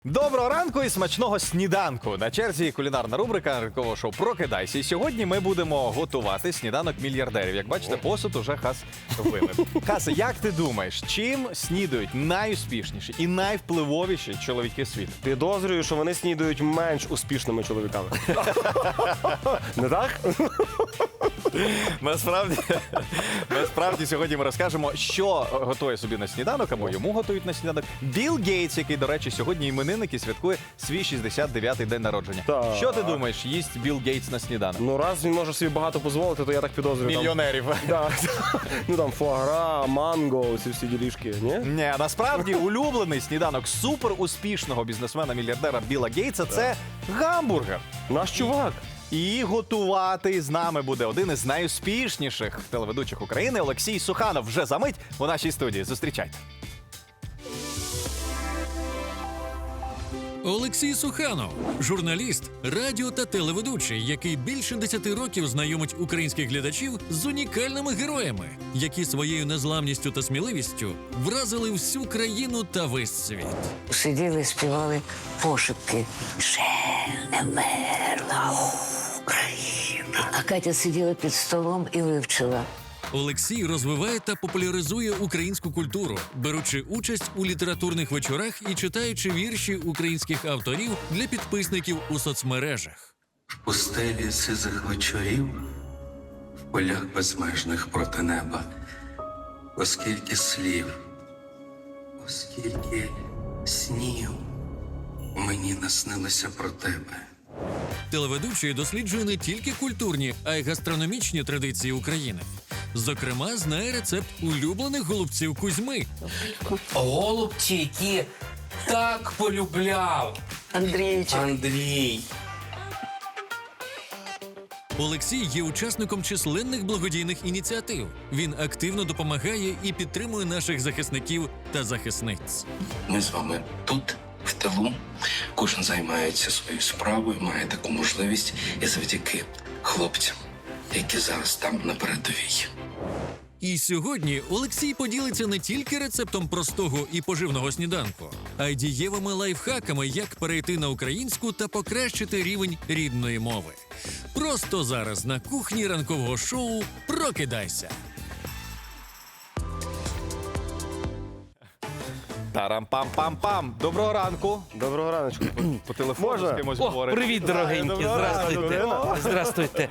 Доброго ранку і смачного сніданку. На черзі кулінарна рубрика ранкового шоу «Прокидайся». І сьогодні ми будемо готувати сніданок мільярдерів. Як бачите, посуд уже Хас вимив. Хаса, як ти думаєш, чим снідають найуспішніші і найвпливовіші чоловіки світу? Підозрюю, що вони снідають менш успішними чоловіками. Не так? Насправді сьогодні ми розкажемо, що готує собі на сніданок, або йому готують на сніданок Білл Гейтс, який, до речі, сьогодні іменинник і святкує свій 69-й день народження. Так. Що ти думаєш, їсть Білл Гейтс на сніданок? Ну, раз він може собі багато дозволити, то я так підозрюю. Мільйонерів. Да. Ну там фуагра, манго, ці всі ділішки, ні? Ні, насправді улюблений сніданок суперуспішного бізнесмена-мільярдера Білла Гейтса – це гамбургер. Наш чувак. І готувати з нами буде один із найуспішніших телеведучих України Олексій Суханов. Вже за мить у нашій студії. Зустрічайте. Олексій Суханов – журналіст, радіо та телеведучий, який більше 10 років знайомить українських глядачів з унікальними героями, які своєю незламністю та сміливістю вразили всю країну та весь світ. Сиділи, співали пошепки. Ще не мерла Україна. А Катя сиділа під столом і вивчила. Олексій розвиває та популяризує українську культуру, беручи участь у літературних вечорах і читаючи вірші українських авторів для підписників у соцмережах. В пустелі сизих вечорів, в полях безмежних проти неба, оскільки слів, оскільки снів мені наснилося про тебе. Телеведучий досліджує не тільки культурні, а й гастрономічні традиції України. Зокрема, знає рецепт улюблених голубців Кузьми. Голубці, які так полюбляв Андрійчик. Андрій. Олексій є учасником численних благодійних ініціатив. Він активно допомагає і підтримує наших захисників та захисниць. Ми з вами тут, в тилу, кожен займається своєю справою, має таку можливість і завдяки хлопцям, які зараз там на передовій. І сьогодні Олексій поділиться не тільки рецептом простого і поживного сніданку, а й дієвими лайфхаками, як перейти на українську та покращити рівень рідної мови. Просто зараз на кухні ранкового шоу «Прокидайся». Тарам-пам-пам-пам. Доброго ранку. Доброго раночку. По телефону Можна? з кимось О, говорить. привіт, дорогенькі, Доброго здравствуйте. ранку. Здравствуйте.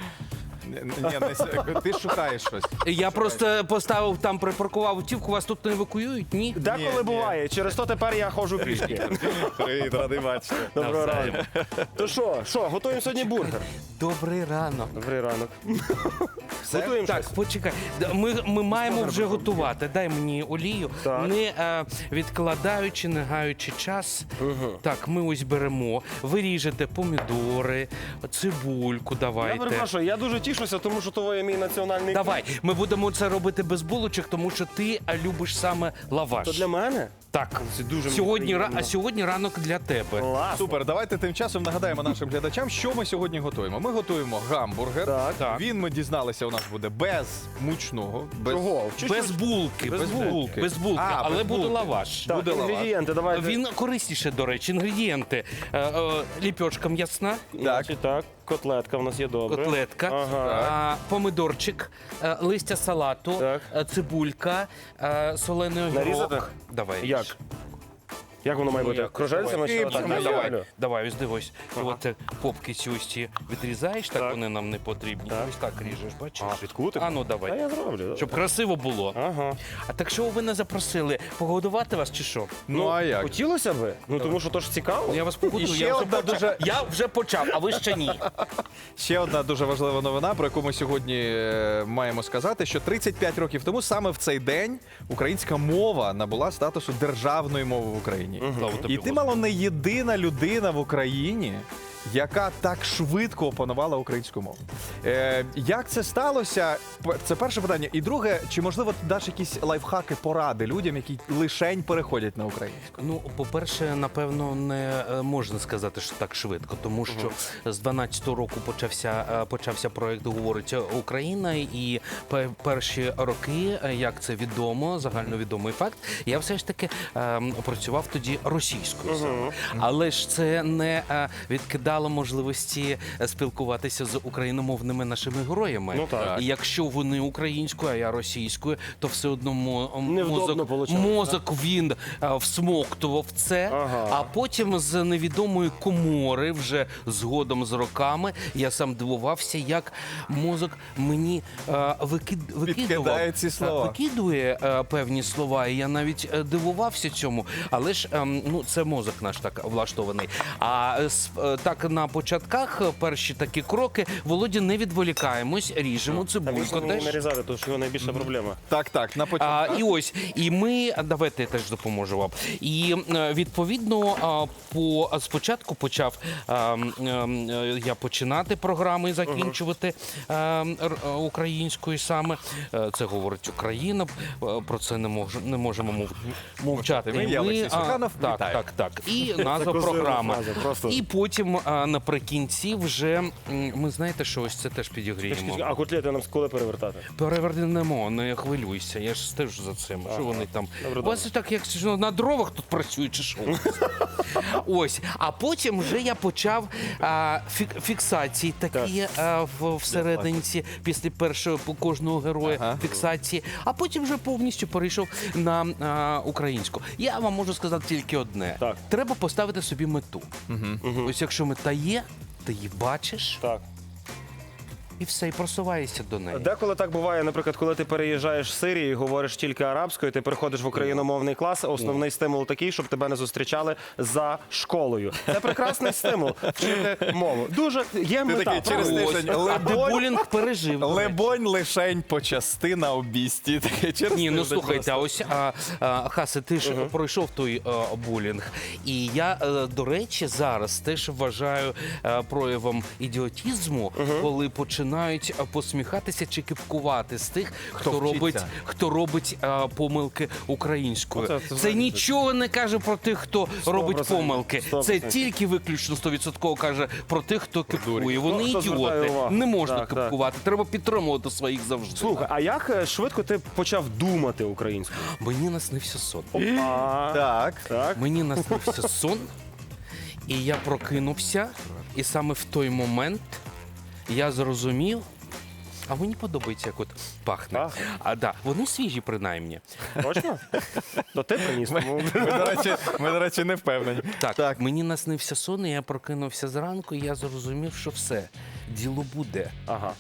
Ти шукаєш щось. Я просто поставив там, припаркував автівку, вас тут не евакуюють, ні? Деколи Ні. буває, через то тепер я ходжу пішки. Привіт, радий бачити. Доброго ранку. То що, готуємо сьогодні бургер? Добрий ранок. Добрий ранок. Готуємо Так, щось? почекай. Ми маємо вже готувати. Дай мені олію. Так. Не відкладаючи, не гаючи час. Так, ми ось беремо. Ви ріжете помідори, цибульку Я давайте. перепрошую, я дуже тішуся, тому що то є мій національний... Давай, ми будемо це робити без булочок, тому що ти любиш саме лаваш. То для мене? Так, Це дуже мені сьогодні, приємно. а сьогодні ранок для тебе. Класно. Супер, давайте тим часом нагадаємо нашим глядачам, що ми сьогодні готуємо. Ми готуємо гамбургер. Так. Він, ми дізналися, у нас буде без мучного. Без... Чого? Без булки. Без булки. Без булки, А, але без буде булки. лаваш. Так, Буде лаваш. інгредієнти, давайте. Він корисніше, до речі, інгредієнти. Ліпьошка м'ясна, Значить, так, котлетка в нас є добре. котлетка, Ага. помидорчик, листя салату, Так. цибулька, солений огірок. Нарізати? Давай. Як? Як воно має бути? Кружельцями чи отак? Давай. Давай, давай, ось дивись. І от попки ці ось ці відрізаєш, так вони нам не потрібні. Так. Ось так ріжеш, бачиш? Під кутик? А ну давай. Та я зроблю. Щоб красиво було. Ага. А так що ви не запросили? Погодувати вас чи що? Ну, а як? Хотілося би? Ну, тому що то ж цікаво. Я вас погодую, І ще я вже одна почав. Я вже почав, а ви ще ні. Ще одна дуже важлива новина, про яку ми сьогодні маємо сказати, що 35 років тому саме в цей день українська мова набула статусу державної мови в Україні. Слава тобі, І ти мало не єдина людина в Україні, яка так швидко опанувала українську мову. Як це сталося? Це перше питання. І друге, чи можливо ти даш якісь лайфхаки, поради людям, які лишень переходять на українську? Ну, по-перше, напевно, не можна сказати, що так швидко, тому що з 12-го року почався проект «Говорить Україна», і перші роки, як це відомо, загальновідомий факт, я все ж таки працював тоді російською саме. Але ж це не відкидало можливості спілкуватися з україномовними нашими героями. Ну, так. І якщо вони українською, а я російською, то все одно Невдобно получалось, мозок він всмоктував це, Ага. а потім з невідомої комори, вже згодом з роками, я сам дивувався, як мозок мені Підкидає ці слова. викидує певні слова, і я навіть дивувався цьому. Але ж ну, це мозок наш так влаштований. А так на початках перші такі кроки, Володя, не відволікаємось, ріжемо Та цибульку можна мені теж. нарізати, тому що його найбільша проблема. Так, на початку. І ось, і ми, давайте я теж допоможу вам. І відповідно, спочатку почав я починати програми і закінчувати українською саме. Це говорить Україна, про це не можемо мовчати. Ми, я, Олексій Суханов, вітаю. Так. І назва козирна програми. фраза, просто. І потім наприкінці вже, ми знаєте, що ось це теж підігріємо. А котлети нам коли перевертати? Перевернемо, не хвилюйся, я ж стежу за цим. Що вони там? Добре, У вас так, як що, на дровах тут працюють, чи що? Ось. А потім вже я почав фіксації такі всерединці, після першого по кожного героя фіксації, а потім вже повністю перейшов на українську. Я вам можу сказати тільки одне. Так. Треба поставити собі мету. Ось якщо мета є, ти її бачиш, Так. і все, і просуваєшся до неї. Деколи так буває, наприклад, коли ти переїжджаєш з Сирії і говориш тільки арабською, ти приходиш в україномовний клас, основний стимул такий, щоб тебе не зустрічали за школою. Це прекрасний стимул вчити мову. Дуже є мета. такий через правда? тиждень А дебулінг пережив. Лебонь лишень почасти на обісті. Таке через Ні, ну тиждень слухайте, а просто. ось Хасе, ти ж пройшов той булінг. І я, до речі, зараз теж вважаю проявом ідіотізму, коли починають посміхатися чи кипкувати з тих, вчиться. хто робить помилки українською. Це Це нічого не каже про тих, хто робить 100%. помилки. Це 100%. тільки виключно 100% каже про тих, хто кипкує. Вони Хто звертає ідіоти. увагу. Не можна Так, кипкувати. Треба підтримувати своїх завжди. Слухай, а як швидко ти почав думати українською? Мені наснився сон. Так. Так. Мені наснився сон, і я прокинувся, і саме в той момент я зрозумів, а мені подобається, як от пахне. Пахне? Да, вони свіжі, принаймні. Точно? То ти приніс. тому- Ми, до речі, не впевнені. Так, мені наснився сон, і я прокинувся зранку, і я зрозумів, що все, діло буде. Ага.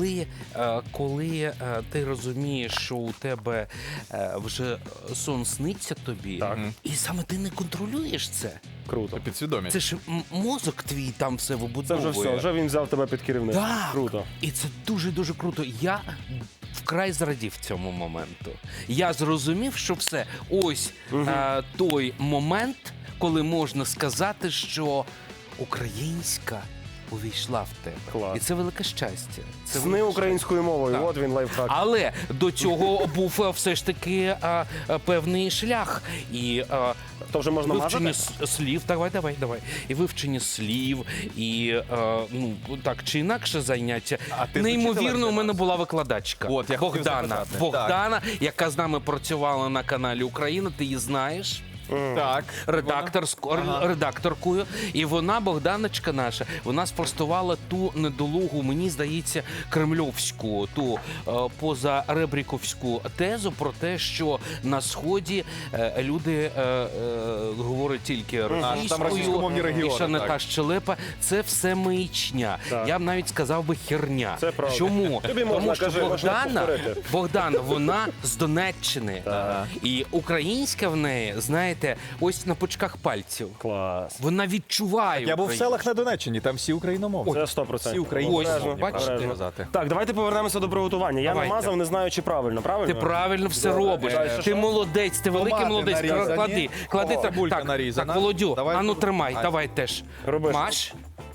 Коли ти розумієш, що у тебе вже сон сниться тобі, Так. і саме ти не контролюєш це. Круто. Підсвідомість. Це ж мозок твій там все Це вибудовує. вже все, вже він взяв тебе під керівництво. Так. Круто. І це дуже-дуже круто. Я вкрай зрадів цьому моменту. Я зрозумів, що все, ось той момент, коли можна сказати, що українська увійшла в тебе. Клас. І це велике щастя. Це Сни велике українською мовою, Так. от він лайфхак. але до цього був все ж таки певний шлях. І То вже можна вивчення мазати? слів. Давай. І вивчення слів, і ну так чи інакше заняття. А ти з Неймовірно, учителем у мене займався? була викладачка От, я хотів Богдана. запитати. Богдана, яка з нами працювала на каналі Україна. Ти її знаєш? Так. Редакторкою. І вона, Богданочка наша, вона спростувала ту недолугу, мені здається, кремльовську, ту позаребріковську тезу про те, що на Сході люди говорять тільки російською, російськомовні регіони, і ще не так. та щелепа. Це все маячня. Так. Я б навіть сказав би херня. Це правда. Чому? Тобі можна, Тому що кажи, можна повторити. Богдана, вона з Донеччини. Так. І українська в неї, знаєте, ось на пучках пальців. Клас. Вона відчуває. Я був в українську. селах на Донеччині, там всі україномовні. Це 100%. Всі українські. Ось, бачите? правильно сказати. Так, давайте повернемося до приготування. Я Давайте. намазав, не знаю, чи правильно. Правильно? Ти правильно все Добре. робиш. Далі Ти що? молодець, ти великий Томати молодець. нарізані. Клади О, цибулька так, нарізана. так, Володю, Давай ану тут. тримай, А. давай теж. Роби. Маш.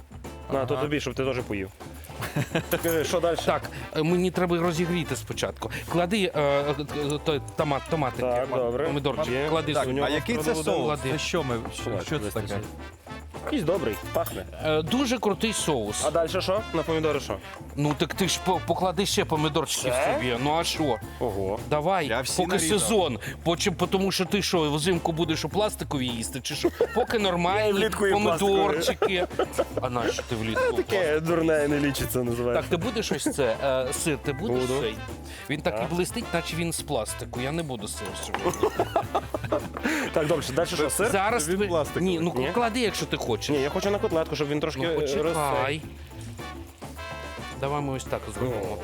На, то тобі, щоб ти теж поїв. Скажи, що далі? Так, мені треба розігріти спочатку. Клади томатики, Так, добре. помідорчики, Є. клади Так, сюди. а який це соус? Клади. Це що що це таке? Якийсь добрий, пахне. Дуже крутий соус. А далі що? На помідори що? Ну так ти ж поклади ще помідорчиків Все? собі. Ну а що? Ого. Давай, Я всі поки нарізав. сезон. Тому що ти що, взимку будеш у пластикові їсти, чи що? Поки Я і нормальні влітку їм помідорчики. А нащо ти влітку? Таке дурне не лічиться, називається. Так, ти будеш ось це, сир, ти будеш Буду. цей? Він так і блистить, наче він з пластику. Я не буду сир сьогодні. Так, добре, далі що, сир? Зараз він ви... пластиковий. Ні, ну Ні? клади, якщо ти хочеш. Ні, я хочу на котлетку, щоб він трошки Ну, розсей. почекай. Давай ми ось так зробимо.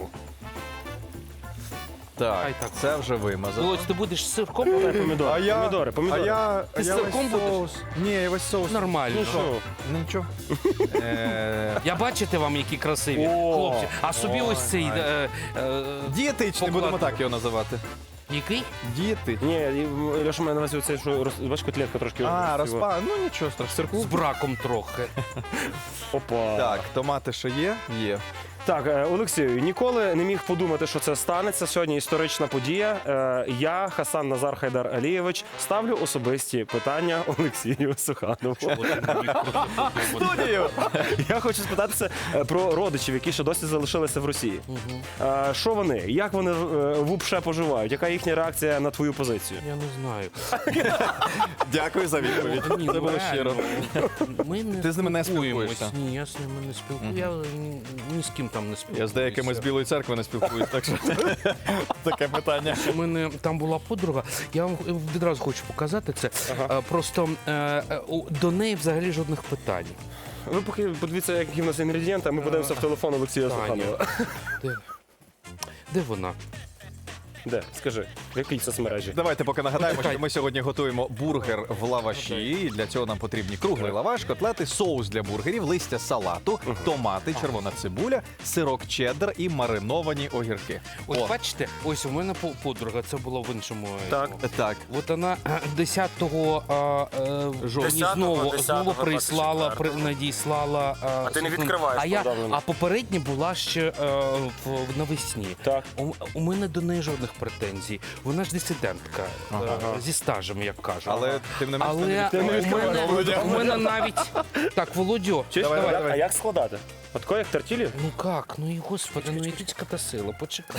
Так, Хай так. це вже вимазано. Володь, ти будеш з сирком? Помідори, помідори. А Ти з я сирком весь соус. Ні, я весь соус. Нормально. Ну що? Нічого. Я бачите вам, які красиві О, хлопці. А собі ось цей Дієтичний, будемо покладу. так його називати. який? Дієтичний. Ні, Леша, мене на цей, що бач, котлетка трошки. Розпа. Ну нічого страшного. З Сирку. браком трохи. Опа. Так, томати що є? Є. Так, Олексію, ніколи не міг подумати, що це станеться. Сьогодні історична подія. Я, Хасан Назар Хайдар Алієвич, ставлю особисті питання Олексію Суханову. Студію! Я хочу спитатися про родичів, які ще досі залишилися в Росії. Що вони? Як вони вупше поживають? Яка їхня реакція на твою позицію? Я не знаю. Дякую за відповідь. Ні, Це ну, було щиро. реально. Ми не Ти з ними не спілкуємось. спілкуєшся? Ні, я з ними не спілкуюся. Я ні з ким там не спілкуюся. Я з деякими з Білої церкви не спілкуюсь, так що таке питання. У мене там була подруга, я вам відразу хочу показати це. Просто до неї взагалі жодних питань. Ви поки подивіться, які в нас інгредієнти, а ми подивимося в телефон Олексія Таня. Суханова. Де вона? Де? Скажи, в якій соцмережі? Давайте поки нагадаємо, Почекай. що ми сьогодні готуємо бургер в лаваші. І для цього нам потрібні круглий лаваш, котлети, соус для бургерів, листя салату, томати, червона цибуля, сирок чеддер і мариновані огірки. Ось О, бачите, ось у мене подруга, це було в іншому. Так. так. От вона 10 жовтня знову прислала, надіслала. А ти не відкриваєш повідомлення. А попередня була ще навесні. Так. У мене до неї жодних претензій. Вона ж дисидентка зі стажем, як кажуть. Але тим не менш, Але ти не відкриваєш. у мене навіть так, Володю. Чуєш, Давай, давай, давай. а як складати? Отко як тертілі? Ну як? Ну і господи, ну ідіть та сила, почекай.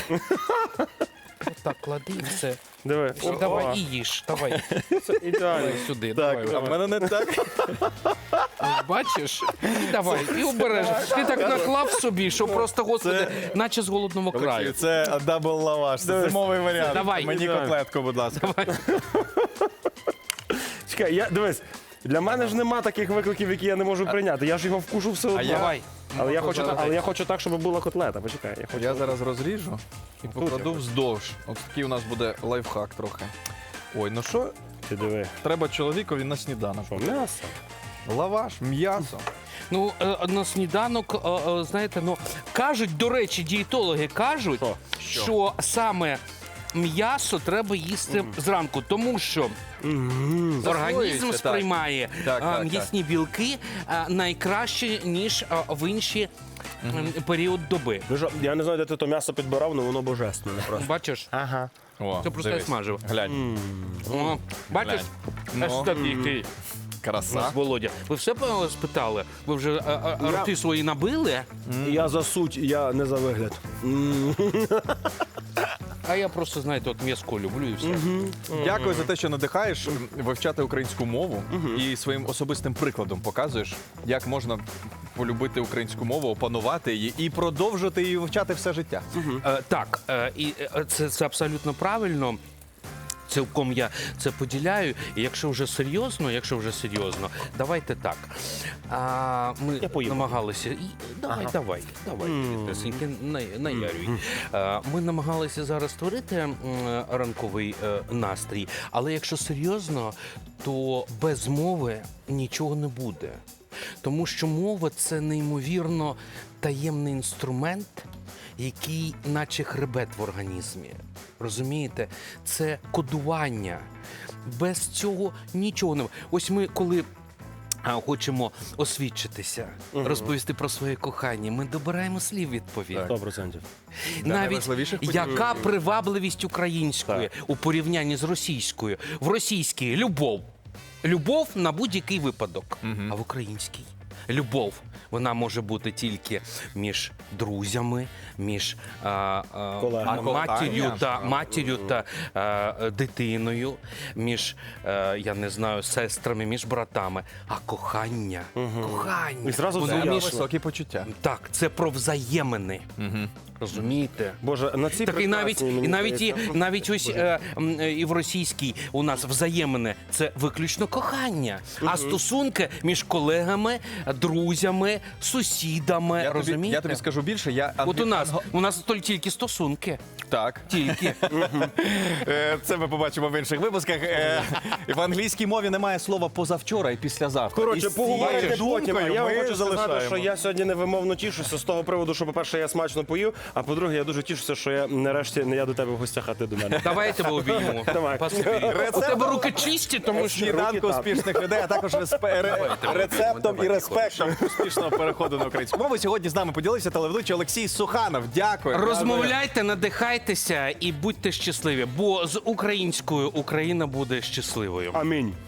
Отак, клади і все. Диви. І давай і їж. Давай. Ідеально. Давай сюди. Так, Давай. а в мене не так. Ось бачиш? І давай, і обережно. Ти так наклав собі, що просто, господи, наче з голодного Олексій, краю. це дабл лаваш, це зимовий варіант. Давай. Мені котлетку, будь ласка. Чекай, дивись, для мене ж нема таких викликів, які я не можу прийняти. Я ж його вкушу все одно. Давай. Але я хочу так, щоб була котлета. Почекай, я хочу. Я зараз розріжу і покладу вздовж. Ось такий у нас буде лайфхак трохи. Ой, ну що Ти диви. треба чоловікові на сніданок? М'ясо. Лаваш, м'ясо. Ну, на сніданок, знаєте, ну, кажуть, до речі, дієтологи кажуть, що саме м'ясо треба їсти зранку, тому що організм Засвоюється, так. сприймає Так. м'ясні білки найкраще, ніж в інші період доби. Ви ж- Я не знаю, де ти то м'ясо підбирав, але воно божественне просто. Бачиш? Ага. О, Це просто я дивись. смажив. Глянь. О, бачиш? Ну. Аж такий. Краса. Нас Володя. Ви все спитали? Ви вже рти свої набили? Я за суть, я не за вигляд. А я просто, знаєте, от м'язко люблю і все. Дякую за те, що надихаєш вивчати українську мову і своїм особистим прикладом показуєш, як можна полюбити українську мову, опанувати її і продовжити її вивчати все життя. Так, і це абсолютно правильно. Цілком я це поділяю. І якщо вже серйозно, давайте так. Ми намагалися. Давай, тесеньки, наярюй. Ми намагалися зараз створити ранковий настрій, але якщо серйозно, то без мови нічого не буде. Тому що мова – це неймовірно таємний інструмент, який наче хребет в організмі. Розумієте? Це кодування. Без цього нічого не... Ось ми, коли хочемо освідчитися, розповісти про своє кохання, ми добираємо слів відповідно. 100%. Навіть найважливіших подій. яка привабливість української у порівнянні з російською? В російській любов. Любов на будь-який випадок. А в українській любов. Вона може бути тільки між друзями, між матір'ю та дитиною, між, я не знаю, сестрами, між братами. А кохання, кохання. І зразу воно все Це між- ясно. високі почуття. Так, це про взаємини. Розумієте? Боже, на цій Так і навіть, прекрасній, мені здається, навіть ось і в російській у нас взаємини це виключно кохання. А стосунки між колегами, друзями, сусідами. Розумієте? Я тобі скажу більше, От у нас тільки стосунки. Так. Тільки. Це ми побачимо в інших випусках. В англійській мові немає слова позавчора і післязавтра. Коротше, І з цією поговорите потім. А думкою я вам ми хочу сказати, залишаємо. що я сьогодні невимовно тішуся з того приводу, що, по-перше, я смачно пою, а по-друге, я дуже тішуся, що я нарешті не я до тебе в гостях, а ти до мене. Давай я тебе обіймемо. Давай. Поспій. У тебе руки чисті, тому що... Сніданку так. успішних людей, а також рецептом і респектом успішного переходу на українську мову. Сьогодні з нами поділився телеведучий Олексій Суханов. Дякую. Розмовляйте, надихайтеся і будьте щасливі, бо з українською Україна буде щасливою. Амінь.